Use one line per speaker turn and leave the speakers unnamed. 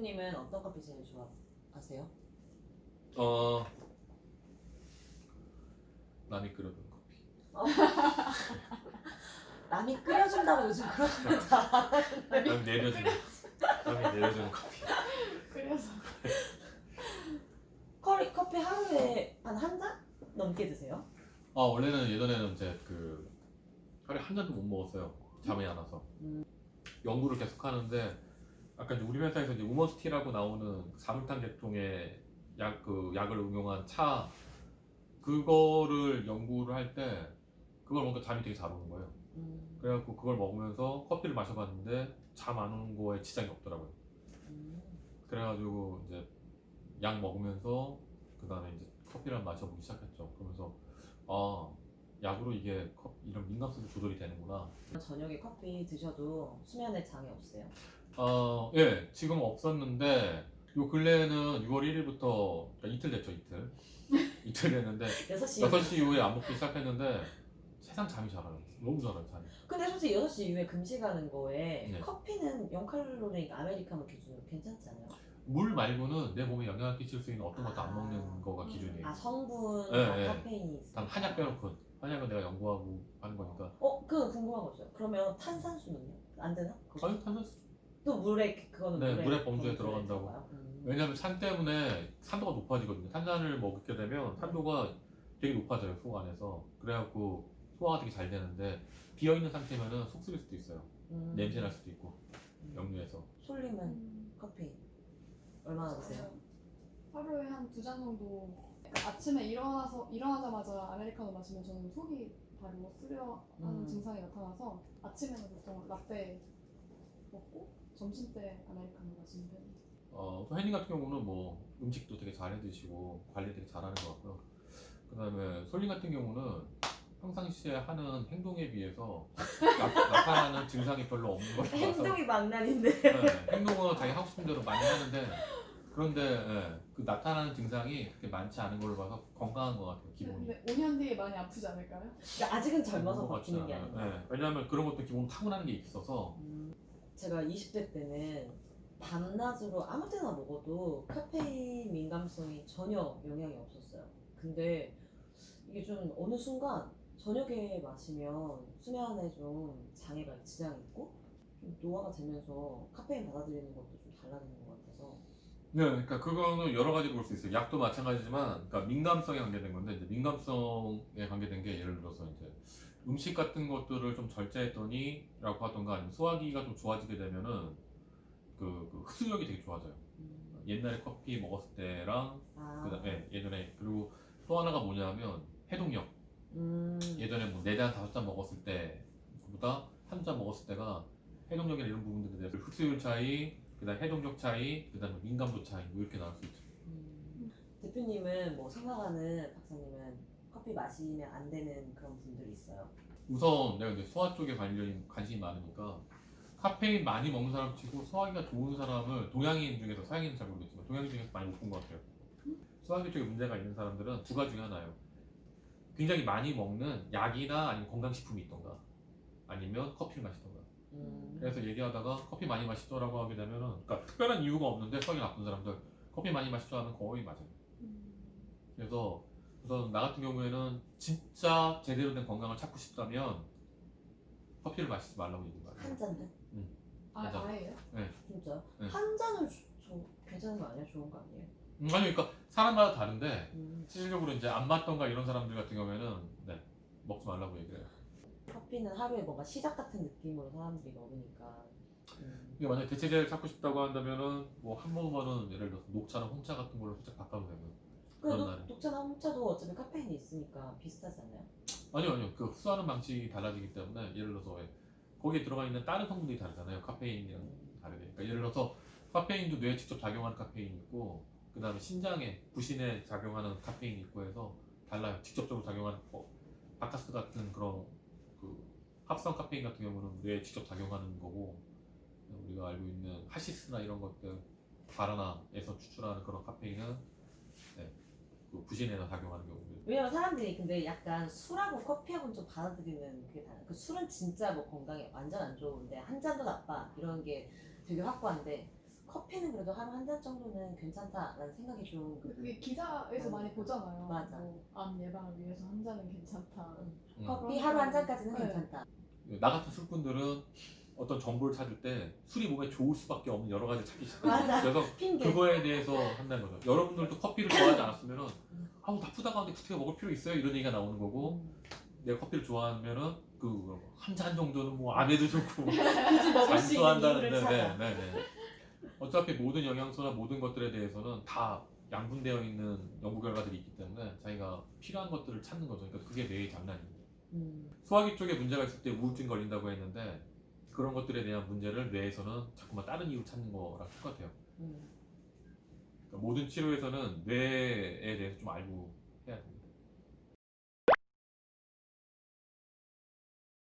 대표님은 어떤 커피 제일 좋아하세요?
어 남이 끓여준 커피.
남이 끓여준다고 요즘 그런 거다.
남이 내려주는 커피.
그래서
커피 하루에 한 잔 넘게 드세요?
원래는 예전에는 이제 그 하루에 한 잔도 못 먹었어요. 잠이 안 와서. 연구를 계속 하는데 아까 이제 우리 회사에서 이제 우머스티라고 나오는 사물탄 계통의 약을 응용한 차 그거를 연구를 할 때 그걸 먹으니까 잠이 되게 잘 오는 거예요. 그래갖고 그걸 먹으면서 커피를 마셔봤는데 잠 안 오는 거에 지장이 없더라고요. 그래가지고 이제 약 먹으면서 그 다음에 이제 커피를 마셔보기 시작했죠. 그러면서 약으로 이게 이런 민감성도 조절이 되는구나.
저녁에 커피 드셔도 수면에 장애 없어요?
예, 지금 없었는데 요 근래에는 6월 1일부터 그러니까 이틀 됐죠, 이틀. 이틀 됐는데
6시
6시 이후에 안 먹기 시작했는데 세상 잠이 잘 와요. 너무 잘 와요, 잠이.
근데 솔직히 6시 이후에 금식하는 거에
네.
커피는 0칼로리 아메리카노 기준으로 괜찮지 않아요?
물 말고는 내 몸에 영향을 끼칠 수 있는 어떤 것도 안 먹는 거가 기준이에요.
성분,
네,
카페인이 있어요?
단 한약 빼놓고. 한약은 내가 연구하고 하는 거니까.
그거 궁금한 거 있어요. 그러면 탄산수는요? 안 되나?
아니, 탄산수.
또 그거는
네,
물에
물의 범주에 들어간다고.
들어가요?
왜냐면 산 때문에 산도가 높아지거든요. 탄산을 먹게 되면 산도가 되게 높아져요, 속 안에서. 그래갖고 소화가 되게 잘 되는데 비어있는 상태면은 속 쓰릴 수도 있어요. 냄새 날 수도 있고 역류해서.
솔님은 커피 얼마나 드세요?
하루에 한 2잔 정도. 그러니까 아침에 일어나자마자 아메리카노 마시면 저는 속이 바로 쓰려하는 증상이 나타나서 아침에는 보통 라떼 먹고 점심 때 아메리카노 마시는 편이에요.
또 혜님 같은 경우는 뭐 음식도 되게 잘 해드시고 관리 되게 잘하는 것 같고요. 그 다음에 솔님 같은 경우는 평상시에 하는 행동에 비해서 나타나는 증상이 별로 없는 것 같아서
행동이 망난인데.
행동은 자기 하고 싶은 대로 많이 하는데 그런데 그 나타나는 증상이 그렇게 많지 않은 걸로 봐서 건강한 것 같아요, 기본이.
근데 5년 뒤에 많이 아프지 않을까요?
그러니까 아직은 젊어서
그런 것
바뀌는
같지
게
않아요.
아니라.
왜냐하면 그런 것도 기본 타고나는 게 있어서.
제가 20대 때는 밤낮으로 아무 때나 먹어도 카페인 민감성이 전혀 영향이 없었어요. 근데 이게 좀 어느 순간 저녁에 마시면 수면에 좀 장애가 지장이 있고 좀 노화가 되면서 카페인 받아들이는 것도 좀 달라지는 것 같아서.
네, 그러니까 그거는 여러 가지로 볼 수 있어요. 약도 마찬가지지만, 그러니까 민감성에 관계된 건데, 이제 민감성에 관계된 게 예를 들어서 이제 음식 같은 것들을 좀 절제했더니라고 하던가 아니면 소화기가 좀 좋아지게 되면은 그 흡수력이 되게 좋아져요. 옛날에 커피 먹었을 때랑 그다음에 예전에 그리고 또 하나가 뭐냐면 해독력. 예전에 뭐 4잔 5잔 먹었을 때보다 한 잔 먹었을 때가 해독력이나 이런 부분들에 대해서 흡수율 차이, 그다음 해독력 차이, 그다음에 민감도 차이 뭐 이렇게 나올 수 있죠.
대표님은 뭐 생각하는 박사님은 커피 마시면 안 되는 그런 분들이 있어요?
우선 내가 이제 소화 쪽에 관심이 많으니까 카페인 많이 먹는 사람 치고 소화기가 좋은 사람을 동양인 중에서 서양인은 잘 모르겠지만 동양인 중에서 많이 못 본 것 같아요. 소화기 쪽에 문제가 있는 사람들은 두 가지 중에 하나예요. 굉장히 많이 먹는 약이나 아니면 건강식품이 있던가 아니면 커피를 마시던가. 그래서 얘기하다가 커피 많이 마시죠라고 하게 되면은 그러니까 특별한 이유가 없는데 성이 나쁜 사람들 커피 많이 마시죠 하면 거의 맞아요. 그래서 우선 나 같은 경우에는 진짜 제대로 된 건강을 찾고 싶다면 커피를 마시지 말라고 얘기해요.
한 잔도?
맞아.
아예요?
진짜요?
네.
한 잔을 괜찮은 거 아니에요? 좋은 거 아니에요?
아니 그러니까 사람마다 다른데
음.
실질적으로 이제 안 맞던가 이런 사람들 같은 경우에는 먹지 말라고 얘기해요.
커피는 하루에 뭔가 시작 같은 느낌으로 사람들이 먹으니까.
이게 만약에 대체제를 찾고 싶다고 한다면은 뭐 한 모금만은 예를 들어서 녹차나 홍차 같은 걸로 살짝 바꿔도 되고. 그런 날에.
녹차나 홍차도 어차피 카페인이 있으니까 비슷하지 않아요?
아니요. 그 흡수하는 방식이 달라지기 때문에 예를 들어서 거기에 들어가 있는 다른 성분들이 다르잖아요. 카페인이랑 다르게. 그러니까 예를 들어서 카페인도 뇌에 직접 작용하는 카페인이 있고 그 다음에 신장에 부신에 작용하는 카페인이 있고 해서 달라요. 직접적으로 작용하는 바카스 같은 그런 그 합성 카페인 같은 경우는 뇌에 직접 작용하는 거고 우리가 알고 있는 하시스나 이런 것들 바나나에서 추출하는 그런 카페인은 그 부신에서 작용하는 경우들.
왜냐면 사람들이 근데 약간 술하고 커피하고는 좀 받아들이는 그게 다른. 그 술은 진짜 뭐 건강에 완전 안 좋은데 한 잔도 나빠 이런 게 되게 확고한데 커피는 그래도 하루 한 잔 정도는 괜찮다라는 생각이 좀.
그게 기사에서 많이 보잖아요.
맞아.
암 예방을 위해서 한 잔은 괜찮다.
커피 하루 한 잔까지는
네.
괜찮다.
나 같은 술꾼들은 어떤 정보를 찾을 때 술이 몸에 좋을 수밖에 없는 여러 가지 찾기 시작해요.
맞아.
그래서
핑계.
그거에 대해서 한다는 거죠. 여러분들도 커피를 좋아하지 않았으면은 아우 나쁘다고 하는데 그렇게 먹을 필요 있어요? 이런 얘기가 나오는 거고 내가 커피를 좋아하면은 그 한 잔 정도는 뭐 암에도 좋고
굳이 먹을 수 있는 이유를 찾아.
네. 어차피 모든 영양소나 모든 것들에 대해서는 다 양분되어 있는 연구 결과들이 있기 때문에 자기가 필요한 것들을 찾는 거죠. 그러니까 그게 뇌의 장난입니다. 소화기 쪽에 문제가 있을 때 우울증 걸린다고 했는데 그런 것들에 대한 문제를 뇌에서는 자꾸만 다른 이유 찾는 거랑 똑같아요. 그러니까 모든 치료에서는 뇌에 대해서 좀 알고